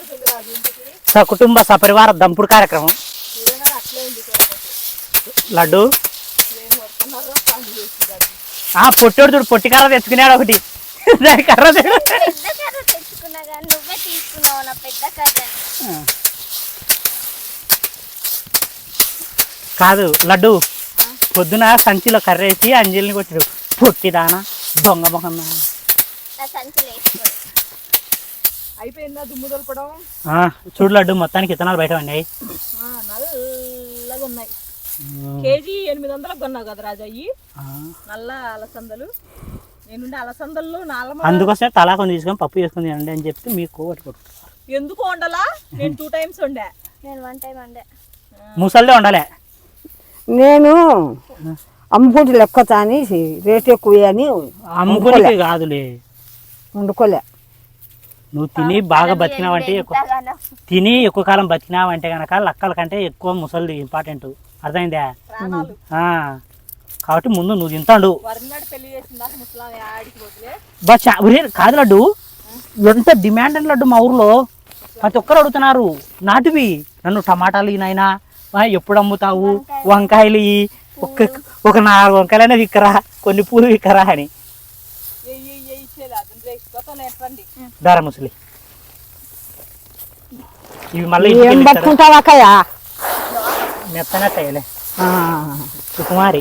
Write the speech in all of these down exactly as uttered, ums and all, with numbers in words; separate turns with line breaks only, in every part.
సకుటుంబ సపరివార దంపుడు కార్యక్రమం. లడ్డు ఆ పొట్టోడు చూడు, పొట్టి కర్ర తెచ్చుకున్నాడు ఒకటి. దాని కర్ర కాదు లడ్డు, పొద్దున సంచిలో కర్రేసి అంజలిని కొట్టాడు. పొట్టిదానా దొంగ మొహం.
అయిపోయిందా దుమ్ము దొలపడం?
చూడు లడ్డు, మొత్తానికి ఇత్తనాలు బయట ఉన్నాయి.
నల్లగా ఉన్నాయి. కేజీ ఎనిమిది వందలకు కొన్నావు కదా రాజా అయ్యి నల్ల అలసందలు. నేనుండే అలసందలు నాలుగు.
అందుకోసమే తలా కొన్ని తీసుకొని పప్పు చేసుకుని తినండి అని చెప్పి మీకు కొట్టుకుంటారు.
ఎందుకు వండాలా? నేను టూ టైమ్స్ వండా.
నేను వన్ టైం వండా.
ముసల్దే ఉండాలి.
నేను అమ్ముకుంటే లెక్కతా అని రేట్ ఎక్కువ అని
అమ్ముకోలే కాదులే,
వండుకోలే.
నువ్వు తిని బాగా బతికినావంటే ఎక్కువ తిని ఎక్కువ కాలం బతికినావంటే కనుక లక్కల కంటే ఎక్కువ ముసలిది ఇంపార్టెంట్. అర్థమైందా? కాబట్టి ముందు నువ్వు తింటాడు. కాదు లడ్డు, ఎంత డిమాండ్ అని లడ్డు మా ఊర్లో ప్రతి ఒక్కరు అడుగుతున్నారు. నాటివి నన్ను టమాటాలు నాయనా ఎప్పుడు అమ్ముతావు, వంకాయలు ఒక ఒక నాలుగు వంకాయలైనా విక్కరా, కొన్ని పూలు విక్కరా అని. దారా ముసలి ఇవి మళ్ళీ మెత్తనే తయ్యలే. సుకుమారి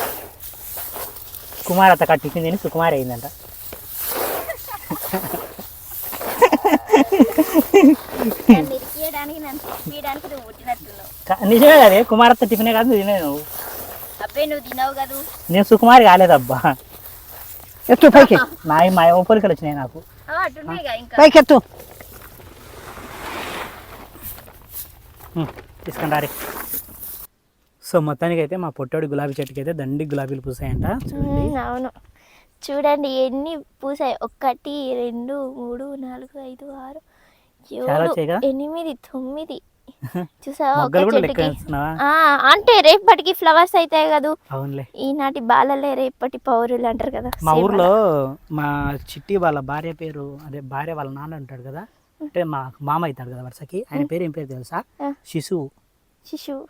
కుమార్ అత్త కట్టించింది తిని సుకుమారి అయిందంట. నిజమే అదే, కుమారత్త టిఫినే కాదు తినే నువ్వు. నేను సుకుమారి కాలేదబ్బా.
ఎత్తు పైకి,
నా మా పోలికలు వచ్చినాయి నాకు.
పైకి ఎత్తు
తీసుకుని రారి. సో మొత్తానికి అయితే మా పొట్టోడి గులాబీ చెట్టుకి అయితే దండి గులాబీలు పూసాయంట.
అవును, చూడండి ఎన్ని పూసాయి. ఒకటి రెండు మూడు నాలుగు ఐదు ఆరు ఏడు ఎనిమిది తొమ్మిది. చూసావా? అంటే రేపటికి ఫ్లవర్స్ అవుతాయి కదా.
అవునులే,
ఈనాటి బాలలే రేపటి పౌరులు అంటారు కదా.
మా ఊర్లో మా చిట్టి వాళ్ళ భార్య పేరు, అదే భార్య వాళ్ళ నాన్న ఉంటాడు కదా, అంటే మా మామ అవుతాడు కదా వరుసకి, ఆయన పేరు ఏం పేరు తెలుసా? శిశువు.
శిశువు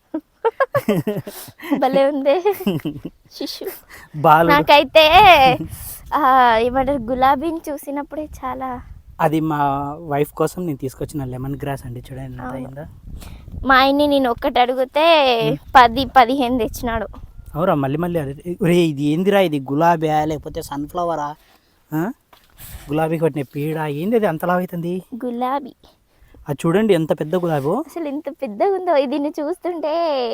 భలే ఉంది. శిశువు. నాకైతే ఏమంటారు, గులాబీని చూసినప్పుడే చాలా.
అది మా వైఫ్ కోసం నేను తీసుకొచ్చిన లెమన్ గ్రాస్ అండి, చూడండి.
మా ఆయన్ని నేను ఒక్కటి అడిగితే పది పదిహేను తెచ్చినాడు.
అవురా? మళ్ళీ మళ్ళీ రే ఇది ఏందిరా, ఇది గులాబీ లేకపోతే సన్ఫ్లవరా? గులాబీ కొట్టిన పీడ ఏంది, అది అంతలా అవుతుంది?
గులాబీ.
అది చూడండి ఎంత పెద్ద గులాబీ, అసలు
ఎంత పెద్దగా ఉందో. దీన్ని చూస్తుంటే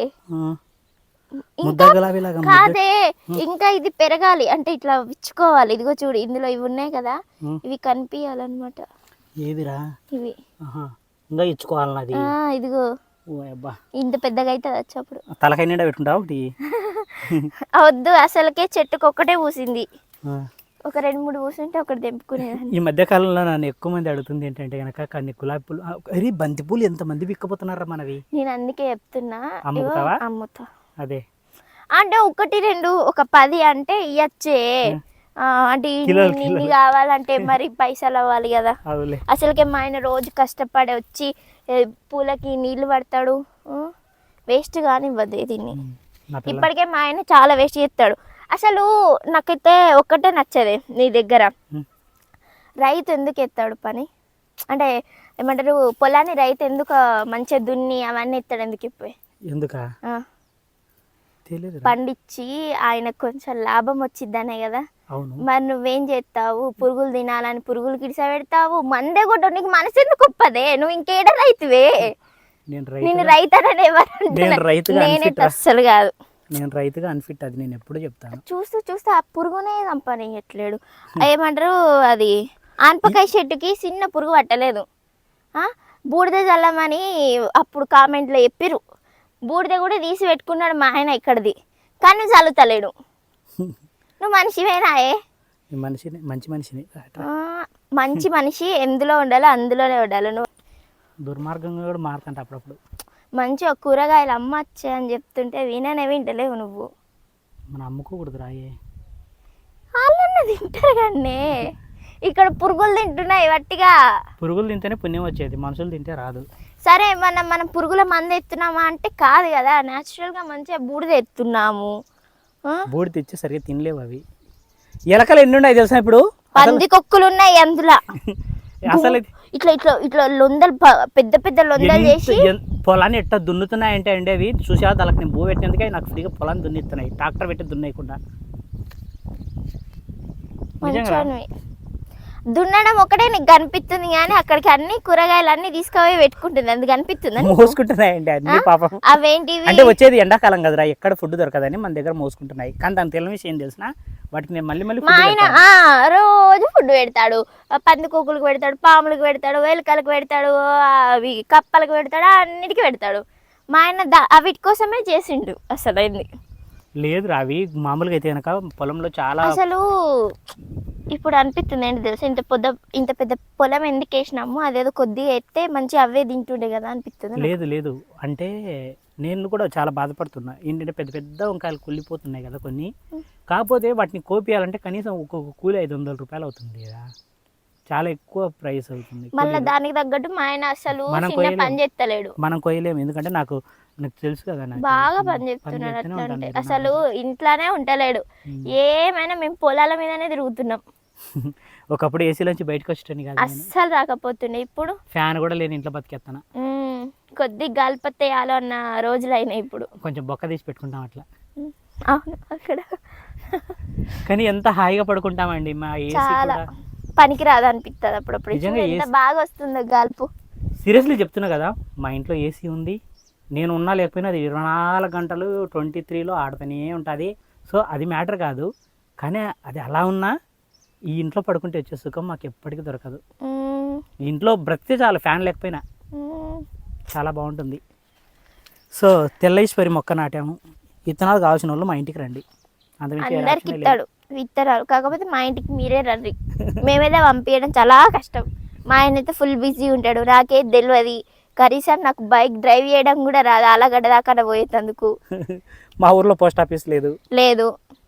కాదే, ఇంకా ఇది పెరగాలి అంటే ఇట్లా విచ్చుకోవాలి. ఇదిగో చూడు, ఇందులో ఇవి ఉన్నాయి కదా, ఇవి కనిపించాలన్నమాట.
ఏదిరా
ఇవి?
ఇంకా ఇచ్చుకోవాలన్నది.
ఇదిగో ఇంత పెద్దగా అయితే వచ్చేప్పుడు
తలకాయ నిండా పెట్టుకుంటావు ఒకటి.
వద్దు, అసలుకే చెట్టుకు ఒక్కటే పూసింది. ఒక రెండు మూడు పూసుంటే ఒకటి తెంపుకునేది.
ఈ మధ్య కాలంలో నన్ను ఎక్కువ మంది అడుగుతుంది ఏంటంటే కనుక కొన్ని గులాబీ పూలు, అరే బంతి పూలు ఎంత మంది విక్కపోతున్నారా మనవి.
నేను అందుకే చెప్తున్నా, అమ్ముతా.
అదే
అంటే ఒకటి రెండు ఒక పది అంటే ఇయ్యచ్చే. అంటే ఇన్ని కావాలంటే మరి పైసలు అవ్వాలి కదా. అసలుకే మా ఆయన రోజు కష్టపడి వచ్చి పూలకి నీళ్లు పడతాడు, వేస్ట్ కానివ్వదు దీన్ని. ఇప్పటికే మా ఆయన చాలా వేస్ట్ చేస్తాడు. అసలు నాకైతే ఒక్కటే నచ్చదే నీ దగ్గర, రైతు ఎందుకు ఎత్తాడు పని అంటే ఏమంటారు, పొలాన్ని రైతు ఎందుకు మంచిగా దున్ని అవన్నీ ఎత్తాడు ఎందుకు? ఇప్పుడు
ఎందుక
పండించి ఆయనకు కొంచెం లాభం వచ్చిద్దనే కదా. మరి నువ్వేం చేస్తావు? పురుగులు తినాలని పురుగులు కిడిసా పెడతావు, మందే కొట్ట. నీకు మనసు ఎందుకు ఒప్పదే? నువ్వు ఇంకేడ రైతువే? నేను రైతనని ఎవరు? నేనైతే అస్సలు కాదు.
నేను రైతుగా అన్ఫిట్, అది నేను ఎప్పుడు చెప్తాను.
చూస్తూ చూస్తూ ఆ పురుగునే చంపనియట్లేడు. ఏమంటారు, అది ఆన్పకాయ చెట్టుకి చిన్న పురుగు పట్టలేదు, బూడిద చల్లమని అప్పుడు కామెంట్లో చెప్పిరు. బూడిద కూడా తీసి పెట్టుకున్నాడు మా ఆయన ఇక్కడిది, కానీ నువ్వు చల్లుతలేడు. నువ్వు మనిషివేనాయే?
మనిషిని మంచి మనిషిని
మంచి మనిషి ఎందులో ఉండాలో అందులోనే ఉండాలి. నువ్వు
దుర్మార్గంగా కూడా మారుతుంట అప్పుడప్పుడు.
మంచిగా కూరగాయలు అమ్మచ్చే అని చెప్తుంటే విననే వింటలేవు నువ్వు.
మన అమ్ముకోకూడదు రాయే,
వాళ్ళన్న తింటారు కానీ ఇక్కడ పురుగులు తింటున్నాయి వట్టిగా.
పురుగులు తింటేనే పుణ్యం వచ్చేది, మనుషులు తింటే రాదు.
సరే మనం మనం పురుగుల మందు ఎత్తున్నామా అంటే కాదు కదా, న్యాచురల్ గా మంచిగా బూడిద ఎత్తున్నాము.
బూడిద తెచ్చి సరిగ్గా తినలేవు అవి. ఎలకలు ఎన్ని ఉన్నాయి తెలుసా ఇప్పుడు?
పంది కొక్కులు ఉన్నాయి అందులో.
అసలు
ఇట్లా ఇట్లా ఇట్లా లొందలు పెద్ద పెద్ద లొందలు చేసి
పొలాన్ని ఎట్లా దున్నుతున్నాయంటే అండి అవి చూసా దానికి నేను భూ పెట్టినందుకే నాకు ఫ్రీగా పొలాన్ని దున్నిస్తున్నాయి, ట్రాక్టర్ పెట్టి దున్నేయకుండా.
దున్నడం ఒకటే నీకు కనిపిస్తుంది కానీ అక్కడికి అన్ని కూరగాయలు అన్ని తీసుకుపోయి పెట్టుకుంటుంది, అందుకు కనిపిస్తుంది.
మోసుకుంటున్నాయండి అన్ని పాపం.
అవేంటివి
అంటే వచ్చేది ఎండాకాలం కదరా, ఎక్కడ ఫుడ్ దొరకదని మన దగ్గర మోసుకుంటున్నాయి. కానీ దాని తెలియని విషయం తెలిసిన వాటికి నేను మళ్ళీ మళ్ళీ
మా ఆయన రోజు ఫుడ్ పెడతాడు, పందికొక్కులకు పెడతాడు, పాములకు పెడతాడు, వేలికలకు పెడతాడు, అవి కప్పలకు పెడతాడు, అన్నిటికీ పెడతాడు. మా ఆయన వీటి కోసమే చేసిండు. అసలు అయింది
లేదు అవి మామూలుగా అయితే కనుక పొలంలో చాలా
అసలు ఇప్పుడు అనిపిస్తుంది ఏంటి తెలుసా, ఇంత పొద్దు ఇంత పెద్ద పొలం ఎందుకు వేసినాము, అదేదో కొద్దిగా ఎత్తే మంచి అవే తింటుండే కదా అనిపిస్తుంది.
లేదు లేదు అంటే నేను కూడా చాలా బాధపడుతున్నా. ఏంటంటే పెద్ద పెద్ద వంకాయలు కుళ్ళిపోతున్నాయి కదా కొన్ని, కాకపోతే వాటిని కోపియాలంటే కనీసం ఒక్కొక్క కూలి ఐదు వందల రూపాయలు అవుతుంది కదా, చాలా ఎక్కువ ప్రైస్ అవుతుంది.
మళ్ళీ దానికి తగ్గట్టు మా ఆయన అసలు పని చేస్తలేడు.
మనం కొయ్యలేము, ఎందుకంటే నాకు నాకు తెలుసు కదా,
బాగా పని చేస్తున్నాడు. అట్లా అంటే అసలు ఇంట్లోనే ఉంటలేడు, ఏమైనా మేము పొలాల మీదనే తిరుగుతున్నాం.
ఒకప్పుడు ఏసీలోంచి బయటకు వచ్చేటని కదా,
అస్సలు రాకపోతుండే. ఇప్పుడు
ఫ్యాన్ కూడా లేని ఇంట్లో బతికేస్తాను.
కొద్ది గాలిపత్తేయాలో అన్న రోజులు అయినాయి. ఇప్పుడు కొంచెం
బొక్క తీసి పెట్టుకుంటాం అట్లా.
అవును అక్కడ
కానీ ఎంత హాయిగా పడుకుంటామండి. మా
చాలా పనికి రాదు అనిపిస్తుంది అప్పుడప్పుడు, ఎంత బాగా వస్తుందో గాల్పు.
సీరియస్లీ చెప్తున్నా కదా, మా ఇంట్లో ఏసీ ఉంది, నేను ఉన్నా లేకపోయినా అది ఇరవై నాలుగు గంటలు ట్వంటీ త్రీలో ఆడుతూనే ఉంటుంది. సో అది మ్యాటర్ కాదు, కానీ అది అలా ఉన్నా ఈ ఇంట్లో పడుకుంటే వచ్చే సుఖం మాకు ఎప్పటికీ దొరకదు. ఇంట్లో బ్రతికే చాలు, ఫ్యాన్ లేకపోయినా చాలా బాగుంటుంది. సో తెల్లైశ్వరి మొక్క నాటాము. విత్తనాలు కావాల్సిన వాళ్ళు మా ఇంటికి రండి,
అందరికి ఇస్తాడు విత్తనాలు. కాకపోతే మా ఇంటికి మీరే రండి, మేమైతే పంపించడం చాలా కష్టం. మా ఆయన అయితే ఫుల్ బిజీ ఉంటాడు, నాకేది తెలియదు. కనీసం నాకు బైక్ డ్రైవ్ చేయడం కూడా రాదు, అలాగడ్డ దాకా పోయేందుకు.
మా ఊర్లో పోస్ట్ ఆఫీస్ లేదు
లేదు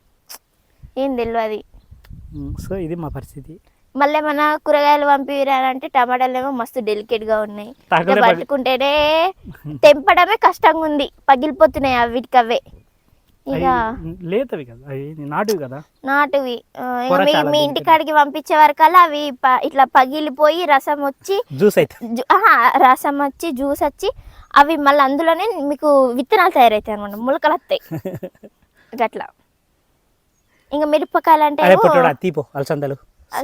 ఏం తెలియదు.
సో ఇది మా పరిస్థితి.
మళ్ళీ మన కూరగాయలు పంపిరాలంటే టమాటాలు ఏమో మస్తు డెలికేట్ గా ఉన్నాయి, పట్టుకుంటేనే తెంపడమే కష్టంగా ఉంది, పగిలిపోతున్నాయి అవిటికి అవే. ఇక
లేతవి కదా, నాటువి కదా,
నాటువి. మీ ఇంటికాడికి పంపించే వరకల్లా అవి ఇట్లా పగిలిపోయి రసం వచ్చి
జ్యూస్ అయితే
రసం వచ్చి జ్యూస్ వచ్చి అవి మళ్ళీ అందులోనే మీకు విత్తనాలు తయారవుతాయి అనమాట, మొలకలు వస్తాయి అట్లా. ఇంకా మిరపకాయలు అంటే
తీపో అలసందలు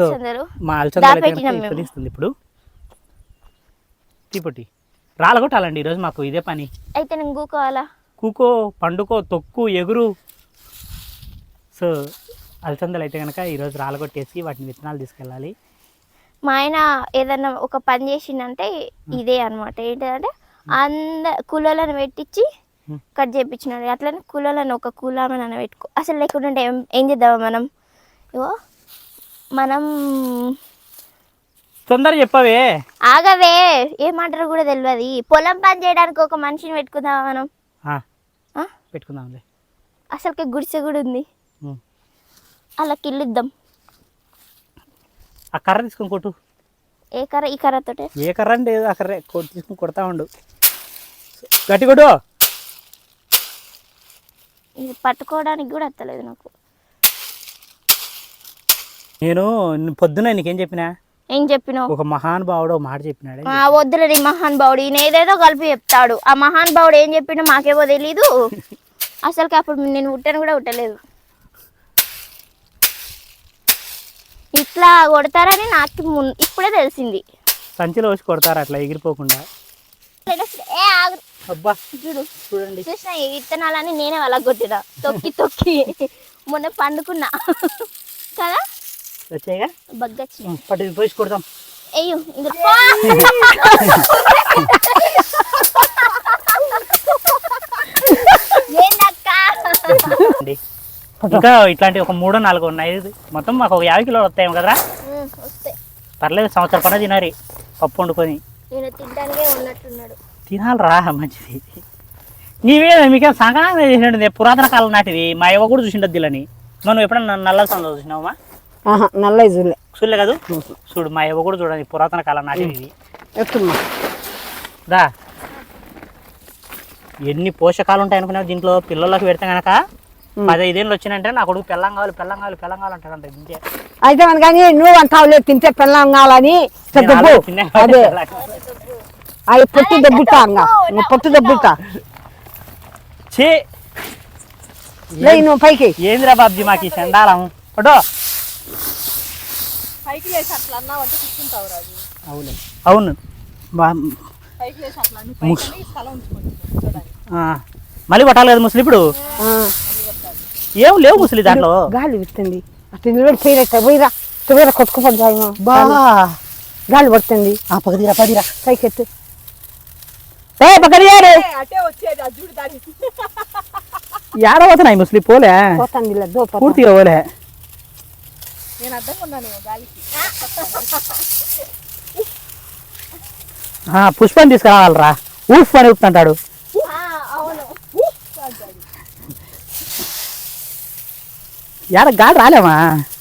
ఇప్పుడు తీపొట్టి రాలగొట్టాలండి ఈరోజు మాకు ఇదే పని.
అయితే నేను కూకోవాలా?
కూకో, పండుకో, తొక్కు, ఎగురు. సో అలసందలు అయితే కనుక ఈరోజు రాలగొట్టేసి వాటిని విత్తనాలు తీసుకెళ్ళాలి.
మా ఆయన ఏదన్నా ఒక పని చేసిందంటే ఇదే అనమాట. ఏంటంటే అంద కూలోళ్ళని పెట్టించి కట్ చేయించినాడు. అట్లనే కూలోళ్ళని ఒక కూలామని పెట్టుకో. అసలు లేకుంటే ఏం ఏం చేద్దామా మనం? ఇగో మనం
తొందర చెప్పవే,
ఆగవే, ఏమంటారు కూడా తెలియదు. పొలం పని చేయడానికి ఒక మనిషిని పెట్టుకుందామా మనం?
పెట్టుకుందాంలే.
అసలుకి గుడిసె కూడా ఉంది, అలా కిల్లిద్దాం.
ఆ కర్ర తీసుకొని కొట్టు.
ఏ కర్ర? ఈ కర్రతోటే.
ఏ కర్ర అంటే ఆ కర్ర తీసుకుని కొడతా ఉండు, గట్టి కొట్టు.
ఇది పట్టుకోవడానికి కూడా వస్తలేదు నాకు.
నేను పొద్దున నీకేం చెప్పినా?
ఏం చెప్పినావు?
ఒక మహానుభావుడు మాట చెప్పినాడు.
వద్దులేని మహానుభావుడు, ఈయన ఏదేదో కలిపి చెప్తాడు. ఆ మహానుభావుడు ఏం చెప్పినా మాకేమో తెలీదు. అసలుకి అప్పుడు నేను ఉట్టను కూడా ఉట్టలేదు. ఇట్లా కొడతారని నాకు ఇప్పుడే తెలిసింది.
సంచిలో వచ్చి కొడతారు అట్లా ఎగిరిపోకుండా. అబ్బా చూడండి,
చూసిన ఈ విత్తనాలని నేనే వాళ్ళకి కొట్టినా తొక్కి తొక్కి. మొన్న పండుకున్నా కదా,
వచ్చాయిగా
బగ్గచ్చి
పట్టు పోసి కొడతాం.
అయ్యో
ఇంకా ఇట్లాంటి ఒక మూడో నాలుగు ఉన్నాయి. మొత్తం మాకు ఒక యాభై కిలోలు వస్తాయేమో కదరా? పర్లేదు, సంవత్సరం పడ తినాలి పప్పు వండుకొని. తినాలరా, మంచిది. నీవే మీకేం సంక్రాంతి చేసినట్టు పురాతన కాలం నాటివి. మా ఇవ్వ కూడా చూసిండద్దు అని. మనం ఎప్పుడన్నా నల్ల సంద చూసినావమ్మా?
నల్ల చూడలే.
చూడలే కాదు చూడు మా ఎవ కూడా చూడండి పురాతన కాలం నాటి ఇది
ఎత్తుమ్మా
దా ఎన్ని పోషకాలు ఉంటాయి అనుకున్నావు దీంట్లో పిల్లలకు పెడితే కనుక పదైదేళ్ళు వచ్చినంటే నా కొడుకు పెళ్ళం కావాలి పెళ్ళం కావాలి పెళ్ళం కావాలంటాడంట ఇంకే
అయితే మన కానీ నువ్వు అంటావులే తింటే పిల్లం కావాలని దెబ్బు అదే అది పొట్టు దెబ్బుతా ఇంకా నువ్వు పొట్టు దెబ్బుతా
చే
లే నువ్వు పైకి
ఏందిరా బాబ్జీ మాకు ఈ చండాలం పడో
పైకి లేచి అట్లా అన్నావంటే కూర్చుంటావు రాజు.
అవును అవును బా
పైకి లేచి అట్లా అన్ని పైకి స్థలం ఉంచుకోండి చూడడానికి.
ఆ, మళ్ళీ కొట్టాలి కదా ముసలి ఇప్పుడు
ఆ,
ఏం లేవు ముసలి దాంట్లో
గాలి వస్తుంది అటు నిలబడి పోయినట్ట పోయిరా పోయిరా కొట్టుకుపోద్దామో
బా
గాలి పడుతుంది
ఆ పగదిరా పదిరా
పైకి ఎత్తు
ఏ పగదియాడు
ఏ, అటే వచ్చేది ఆ జుడు దాడి
ఏడవతున్నాయి ముసలి పోలే
పోతుంది ఇలా దో
పూర్తిగా పోలే
నేను అడ్డంగా ఉన్నాను గాలికి.
ఆ, పుష్పని తీసుకురావాలరా ఊఫ్ అని ఊపుతుంటాడు
అవును
ఏడ గాలి రాలేమా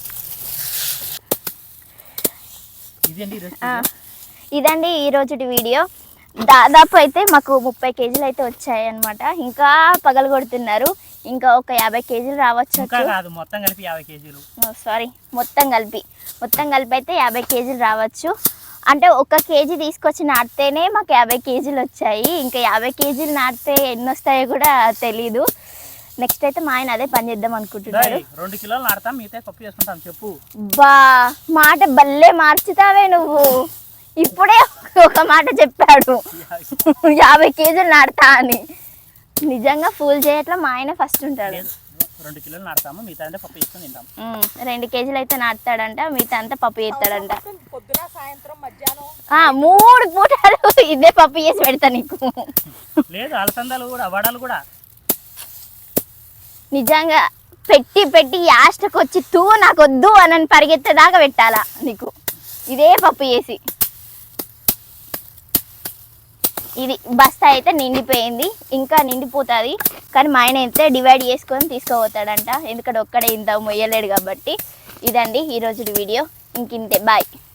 ఆ, ఇదండి ఈ రోజుటి వీడియో. దాదాపు అయితే మాకు ముప్పై కేజీలు అయితే వచ్చాయి అనమాట. ఇంకా పగలు కొడుతున్నారు. ఇంకా ఒక యాభై కేజీలు రావచ్చు.
కాదు మొత్తం కలిపి యాభై కేజీలు
సారీ మొత్తం కలిపి మొత్తం కలిపి అయితే యాభై కేజీలు రావచ్చు. అంటే ఒక కేజీ తీసుకొచ్చి నాటితేనే మాకు యాభై కేజీలు వచ్చాయి. ఇంకా యాభై కేజీలు నాటితే ఎన్ని వస్తాయో కూడా తెలీదు. నెక్స్ట్ అయితే మా ఆయన అదే పని చేద్దాం అనుకుంటున్నాడు.
రెండు కిలోలు నాడతాం మిగతా పప్పు చేసుకుంటాం చెప్పు.
బా మాట బల్లే మార్చుతావే నువ్వు. ఇప్పుడే ఒక మాట చెప్పాడు యాభై కేజీలు నాడతా అని. నిజంగా ఫుల్ చేయట్లా మా ఆయన ఫస్ట్ ఉంటాడు.
రెండు కిలోలు నాడతాము మిగతా అంటే పప్పు చేసుకుని తింటాం.
ఉమ్, రెండు కేజీలు అయితే నాటుతాడంట, మిగతా అంతా పప్పు చేస్తాడంట.
పొద్దున సాయంత్రం మధ్యాహ్నం
ఆ మూడు పూటలు ఇదే పప్పు చేసి పెడతా నీకు.
లేదు అలసందాలు కూడా వడలు కూడా
నిజంగా పెట్టి పెట్టి యాస్టకు వచ్చి తూ నాకు వద్దు అని పరిగెత్తేదాకా పెట్టాలా నీకు ఇదే పప్పు చేసి. ఇది బస్తా అయితే నిండిపోయింది, ఇంకా నిండిపోతుంది. కానీ మా ఆయన అయితే డివైడ్ చేసుకొని తీసుకుపోతాడంట, ఎందుకంటే ఒక్కడే ఇంత మొయ్యలేడు కాబట్టి. ఇదండి ఈరోజు వీడియో. ఇంకింతే, బాయ్.